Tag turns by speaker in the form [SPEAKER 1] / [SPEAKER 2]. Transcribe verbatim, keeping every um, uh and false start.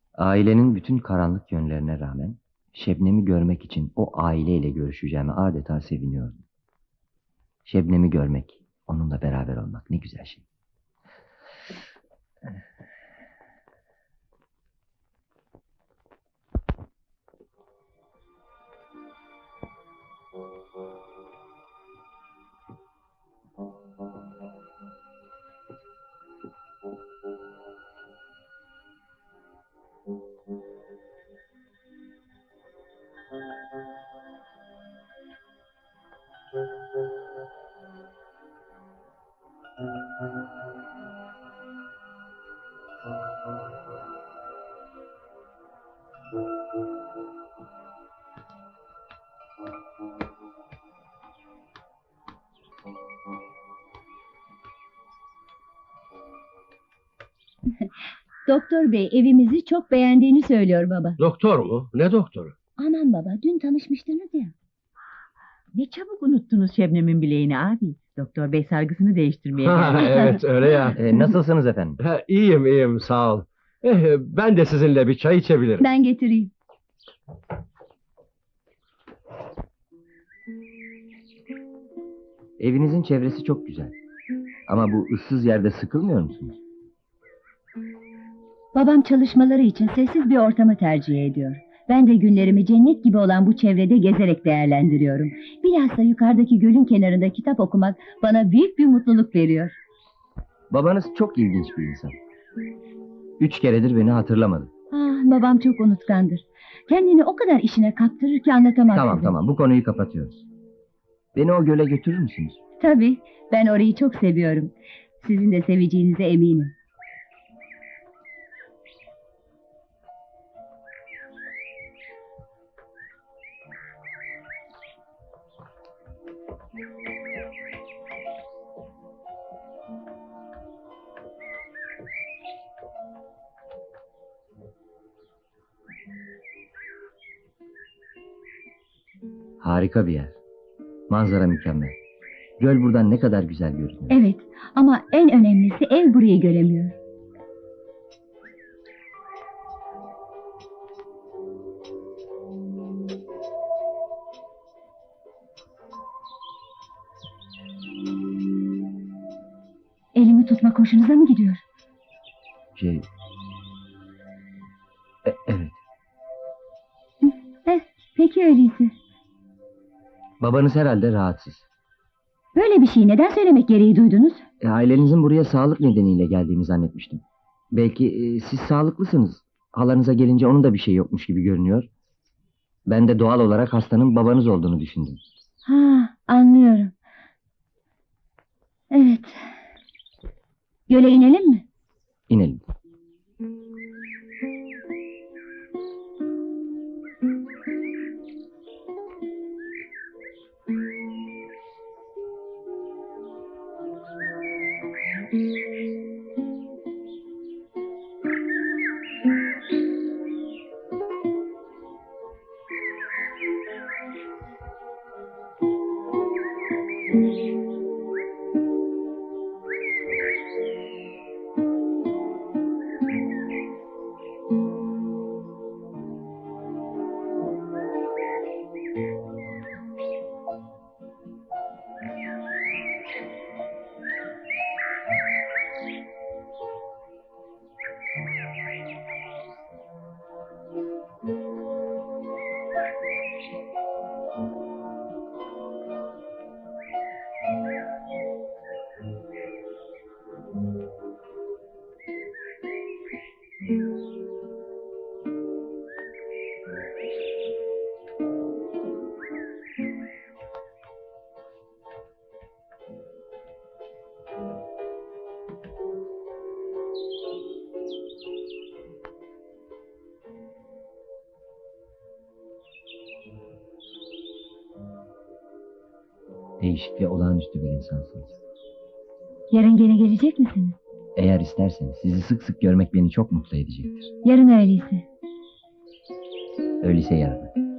[SPEAKER 1] Ailenin bütün karanlık yönlerine rağmen Şebnem'i görmek için o aileyle görüşeceğime adeta seviniyordum. Şebnem'i görmek, onunla beraber olmak ne güzel şey.
[SPEAKER 2] Doktor bey evimizi çok beğendiğini söylüyor baba.
[SPEAKER 3] Doktor mu? Ne doktoru?
[SPEAKER 2] Aman baba, dün tanışmıştınız ya.
[SPEAKER 4] Ne çabuk unuttunuz Şebnem'in bileğini abi. Doktor bey sargısını değiştirmeye
[SPEAKER 3] Ha,
[SPEAKER 4] geldi.
[SPEAKER 3] evet öyle ya.
[SPEAKER 1] Ee, nasılsınız efendim?
[SPEAKER 3] Ha, iyiyim iyiyim sağ ol. Eh, ben de sizinle bir çay içebilirim.
[SPEAKER 2] Ben getireyim.
[SPEAKER 1] Evinizin çevresi çok güzel. Ama bu ıssız yerde sıkılmıyor musunuz?
[SPEAKER 2] Babam çalışmaları için sessiz bir ortamı tercih ediyor. Ben de günlerimi cennet gibi olan bu çevrede gezerek değerlendiriyorum. Bilhassa yukarıdaki gölün kenarında kitap okumak bana büyük bir mutluluk veriyor.
[SPEAKER 1] Babanız çok ilginç bir insan. Üç keredir beni hatırlamadı.
[SPEAKER 2] Ah, babam çok unutkandır. Kendini o kadar işine kaptırır ki anlatamam
[SPEAKER 1] Tamam
[SPEAKER 2] size.
[SPEAKER 1] tamam, bu konuyu kapatıyoruz. Beni o göle götürür müsünüz?
[SPEAKER 2] Tabii, ben orayı çok seviyorum. Sizin de seveceğinize eminim.
[SPEAKER 1] Harika bir yer. Manzara mükemmel. Göl buradan ne kadar güzel görünüyor.
[SPEAKER 2] Evet, ama en önemlisi ev burayı göremiyor. Elimi tutmak hoşunuza mı gidiyor?
[SPEAKER 1] Şey... E- evet.
[SPEAKER 2] Eh, peki öyleyse.
[SPEAKER 1] Babanız herhalde rahatsız.
[SPEAKER 2] Böyle bir şeyi neden söylemek gereği duydunuz?
[SPEAKER 1] E, ailenizin buraya sağlık nedeniyle geldiğini zannetmiştim. Belki e, siz sağlıklısınız. Halanıza gelince onun da bir şey yokmuş gibi görünüyor. Ben de doğal olarak hastanın babanız olduğunu düşündüm.
[SPEAKER 2] Ha, anlıyorum. Evet. Göle inelim mi?
[SPEAKER 1] İnelim. Değişik ve olağanüstü bir insansınız.
[SPEAKER 2] Yarın gene gelecek misiniz?
[SPEAKER 1] Eğer isterseniz sizi sık sık görmek beni çok mutlu edecektir.
[SPEAKER 2] Yarın öyleyse.
[SPEAKER 1] Öyleyse yarın.